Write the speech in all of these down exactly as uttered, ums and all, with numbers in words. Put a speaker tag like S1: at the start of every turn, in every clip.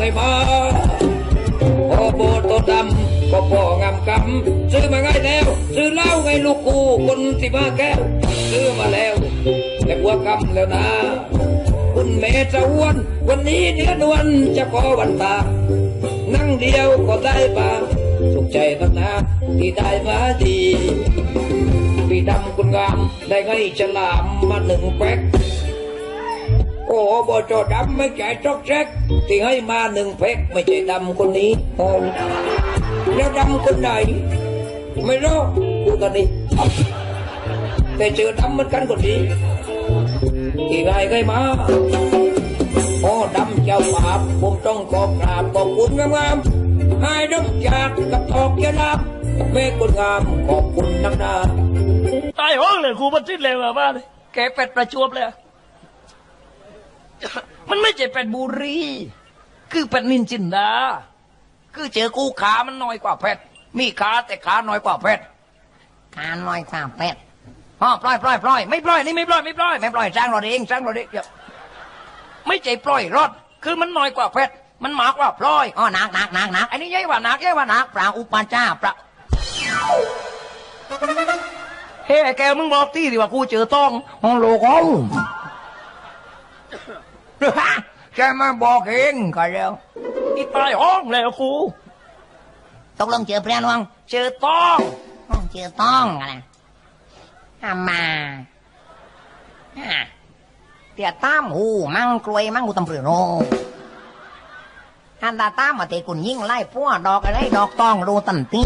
S1: มาโอ้โบตัวดำก็พ่องามกำซื้อมาง่ายแล้วซื้อเหล้าไงลูกกูคนสิมาแก้วซื้อมาแล้วแต่หัวกำแล้วนะคุณแม่จะอ้วนวันนี้เนื้อนวลจะขอวันตานั่งเดียวก็ได้ปะสุขใจนักหนาที่ได้มาดีพี่ดำคุณงามได้ไงฉลามมาหนึ่งแพ็คโอ้บจดำไม่ใช่จอกแจ๊กที่ให้มาหนึ่งแพ็คไม่ใช่ดำคนนี้โอ้แล้วดำคนไหนไม่รู้กูตอนนี้แต่เจอดำเหมือนกันคนนี้ที่ไงไงมาโอ้ดำเจ้าบาปผมต้องขอกราบขอบคุณงามๆให้ดำจากกับทอกยาลับแม่คนงามขอบคุณนักหนา
S2: ตายห้องเลยครูมันสิ้นเลยว่าบ้านเลยแกเป็ดประจวบเลยมันไม่ใช่เป็ดบุรีคือเป็ดนินจินดาคือเจอกูขามันน้อยกว่าเป็ดมีขาแต่ขาน้อยกว่าเป็ด
S3: ขาน้อยกว่าเป็ด
S2: อ๋อปล่อยปล่อยปล่อยไม่ปล่อยนี่ไม่ปล่อยไม่ปล่อยไม่ปล่อยจ้างเราเองจ้างเราเองไม่ใช่ปล่อยรถคือมันน้อยกว่าเป็ดมันมากกว่าปล่อย
S3: อ๋อหนักหนักหนักหนัก
S2: อันนี้ใหญ่กว่าหนักใหญ่กว่าหนัก
S3: ปลาอุปาจ้าปลา
S2: เฮ้แกมึงบอกที่ดิว่ากูเจอต้อง
S3: ห้องโลกเอาใช่ไหมบอกเองก็แล้ว
S2: อีตายห้องแล้วกู
S3: ตกลงเจอเพื่อนวัง
S2: เจอต้อง
S3: เจอต้องอะไรอามาเตี่ยตามหูมั่งกลวยมั่งกูตำเปลือกโนอันดาตามมาเตะกุนยิ่งไล่พวกดอกอะไรดอกต้องรูตันตี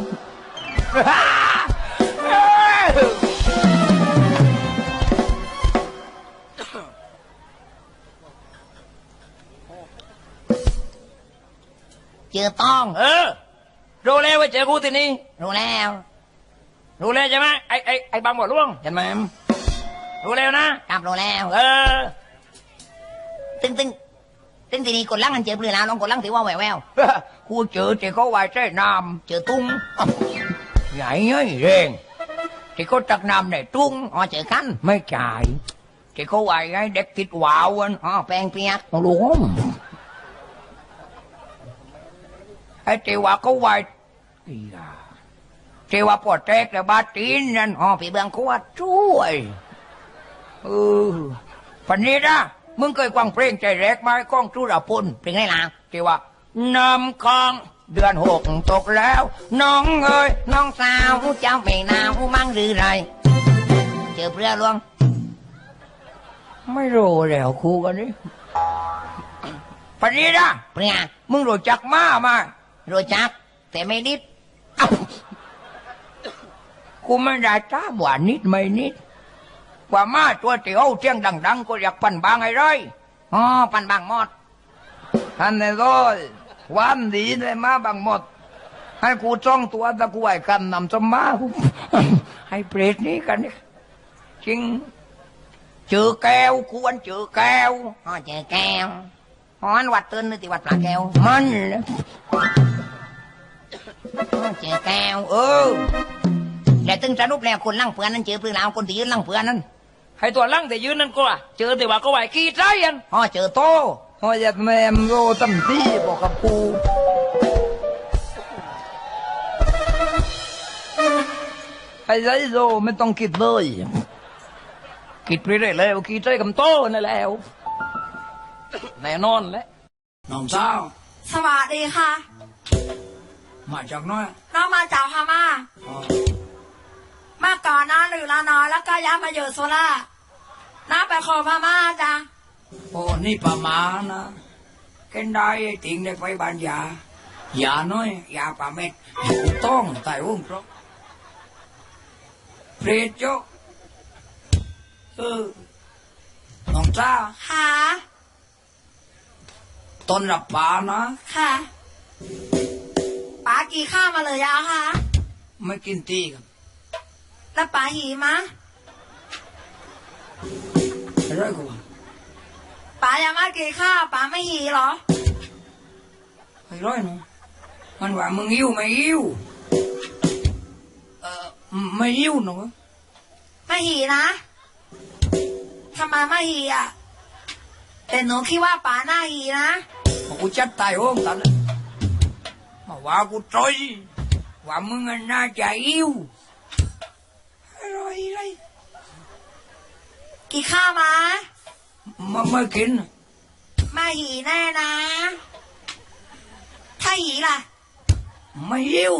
S3: เจอต้อง
S2: เออรู้แล้วว่าเจอกูที่นี่
S3: รู้แล้ว
S2: รู้แล้วใช่ไหมไอ้ไอ้ไอ้บางบ่อล่วง
S3: เห็นไหม
S2: รู้แล้วนะ
S3: กลับรู้แล้ว
S2: เออ
S3: ตึงตึงตึงทีนี้กดลังกันเจอเปลือกน้ำลองกดลังถือว่าแหววแวว
S2: กูเจอเจอเขาไว้ใช่น้ำ
S3: เจอตุ้ง
S2: ใหญ่เงี้ยเร่งที่เขาตักน้ำในตุ้ง
S3: อ๋อเจอกัน
S2: ไม่จ่ายที่เขาไว้ไงเด็กติดวาวอัน
S3: อ๋อแปลงเปียก
S2: หลวงไอ้ที่ว่าเขาไว้ที่ว่าปวดแตกแต่บาดตีนนั่น
S3: อ๋อผีเบืองขวด
S2: ช่วยเออปันนี้นะมึงเคยฟังเพลงใจแรกไหมก้องจุรพล
S3: เพลงอะไรล่ะ
S2: ที่ว่าน้ำคลองเดือนหกตกแล้วน้องเอ้ย
S3: น้องสาวเจ้าไม่นาวมั่งหรือไรเจอเพื่อลวง
S2: ไม่รู้แล้วครูกันนี่ปันนี้นะ
S3: เพื่อ
S2: มึงรู้จักม้ามา
S3: รู้จักแต่ไม่นิด
S2: กูไม่ได้จ้าหวานนิดไม่นิดกว่ามาตัวเตี๋ยวเที่ยงดังๆก็อยากปั่นบางไอ้ไร
S3: อ๋อปั่นบางหมด
S2: อันนี้ก็วันดีเลยมาบางหมดให้กูจ้องตัวตะกูไอ้กันนำสมาให้เปรตนี้กันนี่จริงเจอแก้วกูวันเจอแก้ว
S3: อ๋อเจอแก้วอ๋อวัดตื่นนึกที่วัดปลาแก้ว
S2: มัน
S3: เจอแก้ว
S2: เออ
S3: แต่ตึงสรุปแล้วคนลั่งเพื่อนนั้นเจอเพื่อนเราคนที่ยืนลั่งเพื่อนนั้น
S2: ให้ตัวลั่งแต่ยืนนั่นก็เจอแต่ว่าก็ไหวขี้ใจยัน
S3: อ๋อเจอโต
S2: อ๋อยัดแมมโรตั้มที่บอกกับกูไอ้ไรโรไม่ต้องคิดเลยคิดไปได้แล้วขี้ใจกับโตนั่นแล้วแน่นอนแล้วน้องสาว
S4: สวัสดีค่ะ
S2: มาจากน้อย
S4: น้องมาจากพม่ามาก่อนนะหรือละน้อยแล้วก็ย้ายมาอยู่โซล่าน้าไปขอพม่าจ้ะ
S2: โอ้นี่ประมาณนะเกินได้ติงได้ไปบ้านยายาน้อยยาปลาเม็ดต้องไต่อุ้มเพราะเพลจโจเออน้องจ้า
S4: ค่ะ
S2: ต้นรับป่านะ
S4: ค่ะป๋ากี่ข้าวมาเลยยาค่ะ
S2: ไม่กินตีกัน
S4: แล้วป๋าหีมะ
S2: อะไรกู
S4: ป๋ายังมากี่ข้าวป๋าไม่หีหรอ
S2: ไอ้ร้อยหนูมันว่ามึงยิ้วไม่ยิ้วเออไม่ยิ้วหนู
S4: ไม่หีนะทำไมไม่หีอ่ะแต่หนูคิดว่าป๋าหน้าหีนะ
S2: กูจัดตายโอ้งตันเลยมาว่ากูจอยว่ามึงน่าจะอิ่วอะไรอะไร
S4: กี่ข้าวมา
S2: มันไม่กิน
S4: มาหีแน่นะ ถ้าหีล่ะ
S2: ไม่อิ่ว